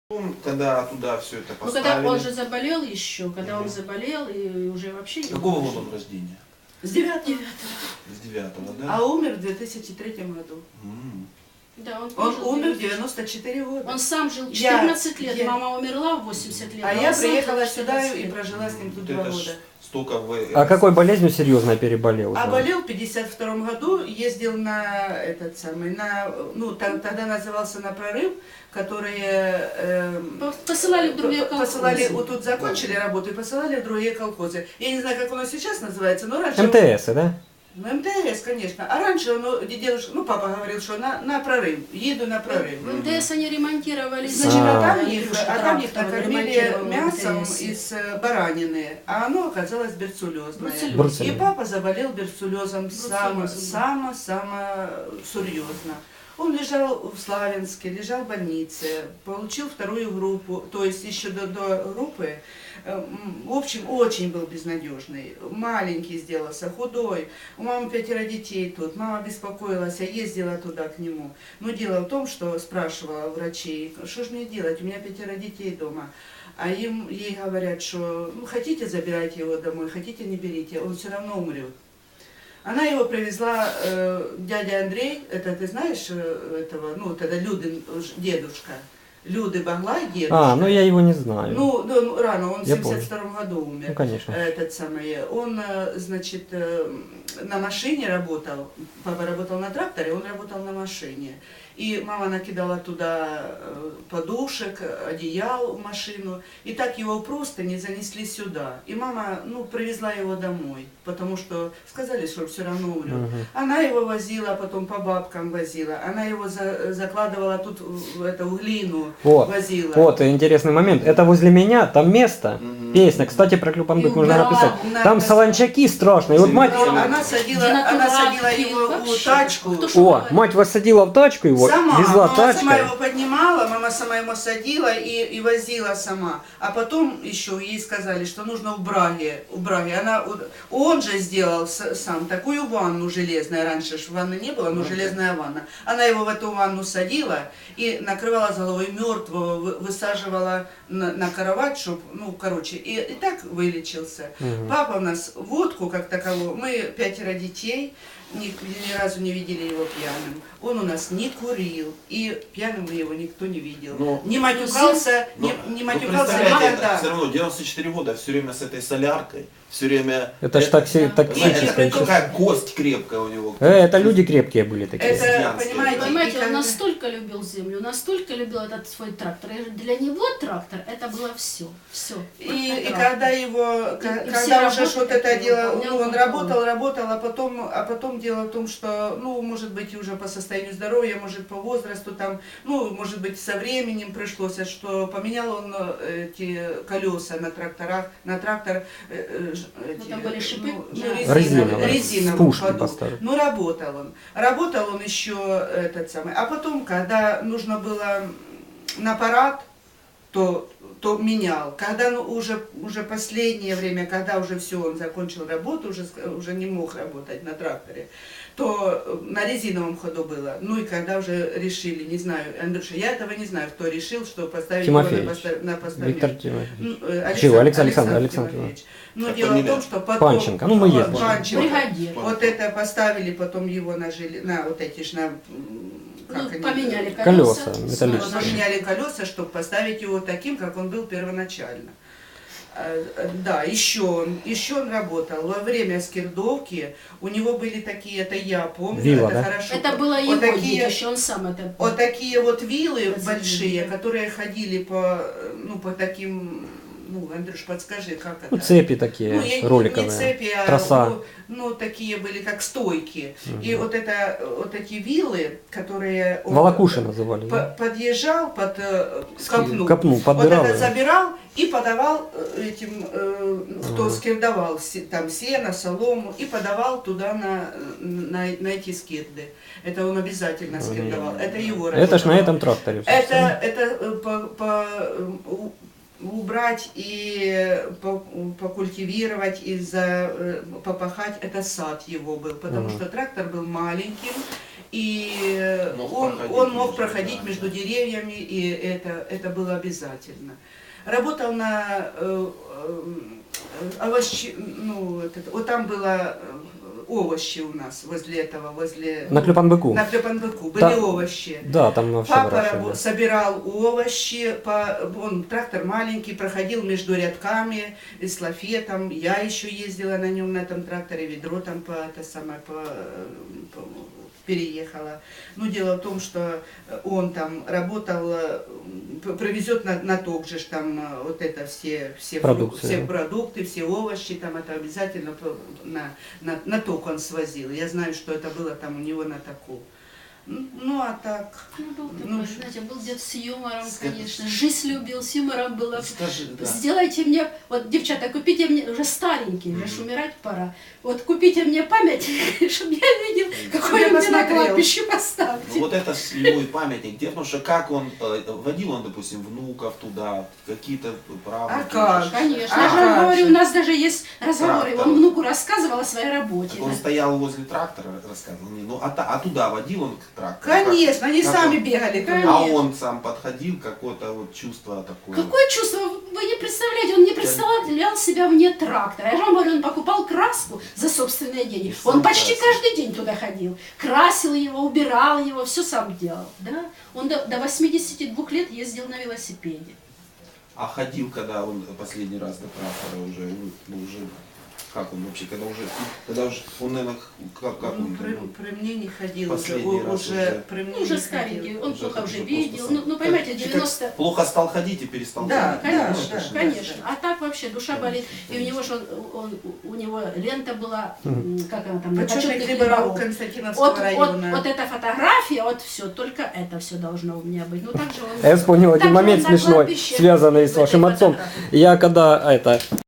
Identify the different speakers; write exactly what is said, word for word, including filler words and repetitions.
Speaker 1: Когда туда все это
Speaker 2: поставили. Ну, когда он же заболел еще, когда mm-hmm. он заболел и уже вообще не
Speaker 1: Какого года он рождения?
Speaker 2: С девятого.
Speaker 1: С девятого, да?
Speaker 3: А умер в две тысячи третьем году.
Speaker 1: Mm.
Speaker 3: Да, он, он умер в девяносто четыре года.
Speaker 2: Он сам жил четырнадцать я, лет, я... мама умерла в восемьдесят лет.
Speaker 3: А, а я приехала сюда и прожила с ним тут два года.
Speaker 1: Столько вы...
Speaker 4: А какой болезнью серьезно переболел?
Speaker 3: А болел в пятьдесят втором году, ездил на этот самый, на, ну тогда назывался на прорыв, которые э,
Speaker 2: посылали в другие колхозы.
Speaker 3: Посылали, вот тут закончили работу и посылали в другие колхозы. Я не знаю, как оно сейчас называется, но раньше...
Speaker 4: эм тэ эс, да?
Speaker 3: Ну, эм тэ эс, конечно. А раньше он, дедушка, ну, папа говорил, что на, на прорыв, еду на прорыв.
Speaker 2: В эм тэ эс они ремонтировали.
Speaker 3: Значит, а, а там их, а там их накормили мясом из баранины, а оно оказалось берцулезное. И папа заболел берцулезом само-само-само серьезно. Он лежал в Славянске, лежал в больнице, получил вторую группу, то есть еще до, до группы. В общем, очень был безнадежный, маленький сделался, худой. У мамы пятеро детей тут, мама беспокоилась, я ездила туда к нему. Но дело в том, что спрашивала врачей, что же мне делать, у меня пятеро детей дома. А им, ей говорят, что ну, хотите забирайте его домой, хотите не берите, он все равно умрет. Она его привезла, э, дядя Андрей, это ты знаешь этого, ну, тогда Людин дедушка. Люды Баглай, дедушка.
Speaker 4: А, ну я его не знаю.
Speaker 3: Ну, ну рано, он в семьдесят втором году умер.
Speaker 4: Ну, конечно.
Speaker 3: Этот самый, он, значит, на машине работал, папа работал на тракторе, он работал на машине. И мама накидала туда подушек, одеял в машину. И так его просто не занесли сюда. И мама, ну, привезла его домой, потому что сказали, что все равно умрет. Угу. Она его возила, потом по бабкам возила. Она его за, закладывала тут в эту глину,
Speaker 4: вот,
Speaker 3: возила.
Speaker 4: Вот, интересный момент. Это возле меня, там место, угу. Песня. Кстати, про Клюпандык нужно
Speaker 3: да,
Speaker 4: написать.
Speaker 3: на,
Speaker 4: там
Speaker 3: на,
Speaker 4: солончаки страшные. Вот мать...
Speaker 3: Она садила, она садила его в тачку.
Speaker 4: О, мать вас садила в тачку его,
Speaker 3: сама,
Speaker 4: везла
Speaker 3: мама
Speaker 4: тачкой.
Speaker 3: Сама его поднимала, мама сама его садила и, и возила сама. А потом еще ей сказали, что нужно в Браге. В Браге. Она, он же сделал сам такую ванну железную. Раньше ж ванны не было, но железная ванна. Она его в эту ванну садила и накрывала с головой мертвого, высаживала на, на кровать, чтобы, ну, короче, и, и так вылечился. Угу. Папа у нас водку как таковую, мы пятеро детей, ни, ни разу не видели его пьяным. Он у нас не курил, и пьяным его никто не видел. Но, не матюкался, но, не, не матюкался никогда.
Speaker 1: Все равно девяносто четыре года, все время с этой соляркой, все время...
Speaker 4: Это ж такси, токсическое.
Speaker 1: Какая кость крепкая у него.
Speaker 4: Э, это люди крепкие были такие.
Speaker 3: Это, понимаете,
Speaker 2: понимаете, он настолько любил землю, настолько любил этот свой трактор. И для него трактор это было все. Все.
Speaker 3: И, и когда его, и, когда и уже что-то это дело, ну, он работал, работал, а потом, а потом дело в том, что, ну, может быть, уже по состоянию здоровья, может, по возрасту, там, ну, может быть, со временем пришлось, что поменял он эти колеса на тракторах, на трактор,
Speaker 2: эти, там были шипы,
Speaker 3: ну,
Speaker 2: да.
Speaker 3: резина,
Speaker 4: резиновые,
Speaker 3: резиновую ходу. Ну, работал он. Работал он еще этот самый. А потом, когда нужно было на парад, то то менял. Когда ну, уже, уже последнее время, когда уже все, он закончил работу, уже, уже не мог работать на тракторе, то на резиновом ходу было. Ну и когда уже решили, не знаю, Андрюша, я этого не знаю, кто решил, что поставить
Speaker 4: Тимофеевич.
Speaker 3: его на, постав... на постамент.
Speaker 4: Виктор Тимофеевич.
Speaker 3: Ну, Александр,
Speaker 4: Чего? Александр,
Speaker 3: Александр,
Speaker 4: Александр
Speaker 3: Тимофеевич. Но
Speaker 1: как
Speaker 3: дело
Speaker 1: фамилия?
Speaker 3: в том, что потом...
Speaker 4: Панченко, ну мы ездили.
Speaker 3: Панченко.
Speaker 2: Бригадир.
Speaker 3: Вот это поставили, потом его на, жили... на вот эти ж на...
Speaker 2: Ну,
Speaker 3: они...
Speaker 2: поменяли колеса,
Speaker 4: колеса металлические.
Speaker 3: Поменяли колеса, чтобы поставить его таким, как он был первоначально. Да, еще он, еще он работал. Во время скирдовки у него были такие, это я помню,
Speaker 4: Вилла,
Speaker 3: это
Speaker 4: да?
Speaker 3: хорошо.
Speaker 2: Это было
Speaker 3: вот
Speaker 2: его
Speaker 3: такие,
Speaker 2: детище, он сам это...
Speaker 3: Вот такие вот виллы
Speaker 2: Разделили.
Speaker 3: большие, которые ходили по, ну, по таким... Ну, Андрюш, подскажи, как это?
Speaker 4: Ну, цепи такие,
Speaker 3: ну, я,
Speaker 4: роликовые,
Speaker 3: не цепи, а,
Speaker 4: троса.
Speaker 3: Ну, ну, такие были, как стойки.
Speaker 4: Угу.
Speaker 3: И вот, это, вот эти виллы, которые... Он
Speaker 4: Волокуши называли.
Speaker 3: по,
Speaker 4: Да?
Speaker 3: Подъезжал под э, копну.
Speaker 4: Копну, подбирал.
Speaker 3: Вот это забирал и подавал этим, э, кто угу. скирдовал, там сено, солому, и подавал туда на, на, на эти скирды. Это он обязательно скирдовал. Это его работа.
Speaker 4: Это ж на этом тракторе.
Speaker 3: Это, это по... по убрать и покультивировать, и за, попахать, это сад его был, потому угу. что трактор был маленьким, и
Speaker 1: Мог
Speaker 3: он,
Speaker 1: проходить
Speaker 3: он мог
Speaker 1: между,
Speaker 3: проходить
Speaker 1: да,
Speaker 3: между
Speaker 1: да.
Speaker 3: деревьями, и это, это было обязательно. Работал на э, э, овощи, ну, это, вот там было э, овощи у нас возле этого, возле...
Speaker 4: На Клепанбыку.
Speaker 3: На Клепанбыку были
Speaker 4: Да.
Speaker 3: овощи.
Speaker 4: Да, там вообще
Speaker 3: Папа
Speaker 4: выращивали.
Speaker 3: рабо- собирал овощи, по, он трактор маленький, проходил между рядками, эстафетом. Я еще ездила на нем, на этом тракторе, ведро там по, это самое, по, по, переехала. Но дело в том, что он там работал, привезет на, на ток же там вот это все, все,
Speaker 4: Продукты,
Speaker 3: все
Speaker 4: да.
Speaker 3: продукты, все овощи, там это обязательно на, на, на ток он свозил. Я знаю, что это было там у него на току. Ну, а так...
Speaker 2: Ну, был такой,
Speaker 3: Ну,
Speaker 2: знаете, был дед с юмором,
Speaker 1: Скажи.
Speaker 2: конечно. Жизнь любил, с юмором было.
Speaker 1: Скажи, да.
Speaker 2: Сделайте мне, вот, девчата, купите мне, уже старенький, уже
Speaker 1: Мгм.
Speaker 2: ж умирать пора. Вот купите мне память, чтобы я видел, какой
Speaker 3: Я
Speaker 2: он мне на
Speaker 3: посмотрел.
Speaker 2: кладбище
Speaker 1: Ну,
Speaker 2: поставьте.
Speaker 1: вот это с- его и памятник. Дело в том, что как он э, водил он, допустим, внуков туда, какие-то правнуки.
Speaker 3: А как?
Speaker 1: уже.
Speaker 2: Конечно,
Speaker 3: А
Speaker 2: я же
Speaker 3: как
Speaker 2: вам говорю,
Speaker 3: же?
Speaker 2: у нас даже есть разговоры.
Speaker 1: Трактор.
Speaker 2: Он внуку рассказывал о своей работе.
Speaker 1: Так он стоял возле трактора, рассказывал мне. Ну, а, та- а туда водил он к трактору?
Speaker 3: Конечно, они
Speaker 1: как
Speaker 3: сами
Speaker 1: он?
Speaker 3: бегали. туда.
Speaker 2: Конечно.
Speaker 1: А он сам подходил, какое-то вот чувство такое.
Speaker 2: Какое чувство? Вы не представляете, он не представлял себя вне трактора. Я же вам говорю, он покупал краску за собственные деньги.
Speaker 1: И сам
Speaker 2: Он почти
Speaker 1: красил.
Speaker 2: каждый день туда ходил. Красил его, убирал его, все сам делал. Да? Он до, до восьмидесяти двух лет ездил на велосипеде.
Speaker 1: А ходил, когда он последний раз до трактора уже, ну, ну, уже, как он вообще, когда уже, когда уже, он, наверное, как, как
Speaker 3: Ну,
Speaker 1: он,
Speaker 3: при,
Speaker 1: ну,
Speaker 3: при мне не ходил уже,
Speaker 1: Последний
Speaker 3: у-
Speaker 1: раз
Speaker 3: уже,
Speaker 1: уже.
Speaker 3: при мне
Speaker 2: Ну, уже
Speaker 3: не
Speaker 2: старенький,
Speaker 3: ходил.
Speaker 2: он
Speaker 1: Уже
Speaker 2: плохо
Speaker 1: как
Speaker 2: уже
Speaker 1: бы
Speaker 2: видел.
Speaker 1: просто
Speaker 2: Ну, ну, понимаете,
Speaker 1: как-
Speaker 2: девяносто...
Speaker 1: плохо стал ходить и перестал
Speaker 3: Да,
Speaker 1: ходить.
Speaker 3: да,
Speaker 1: Ну,
Speaker 3: да,
Speaker 1: это ж-
Speaker 2: Конечно.
Speaker 3: да.
Speaker 2: А так вообще душа болит. И у него же он, он- у него лента была, м, как она там, на
Speaker 3: Почетный
Speaker 2: почетных
Speaker 3: хлебороб
Speaker 2: хлебороб.
Speaker 3: Константиновского
Speaker 2: Вот, вот,
Speaker 3: района.
Speaker 2: вот эта фотография, вот все, только это все должно у меня быть. Ну так же он.
Speaker 4: А я вспомнил один
Speaker 2: так же
Speaker 4: момент
Speaker 2: он на
Speaker 4: смешной,
Speaker 2: кладбище
Speaker 4: связанный
Speaker 2: в
Speaker 4: с
Speaker 2: этой
Speaker 4: вашим отцом.
Speaker 2: фотографии.
Speaker 4: Я когда это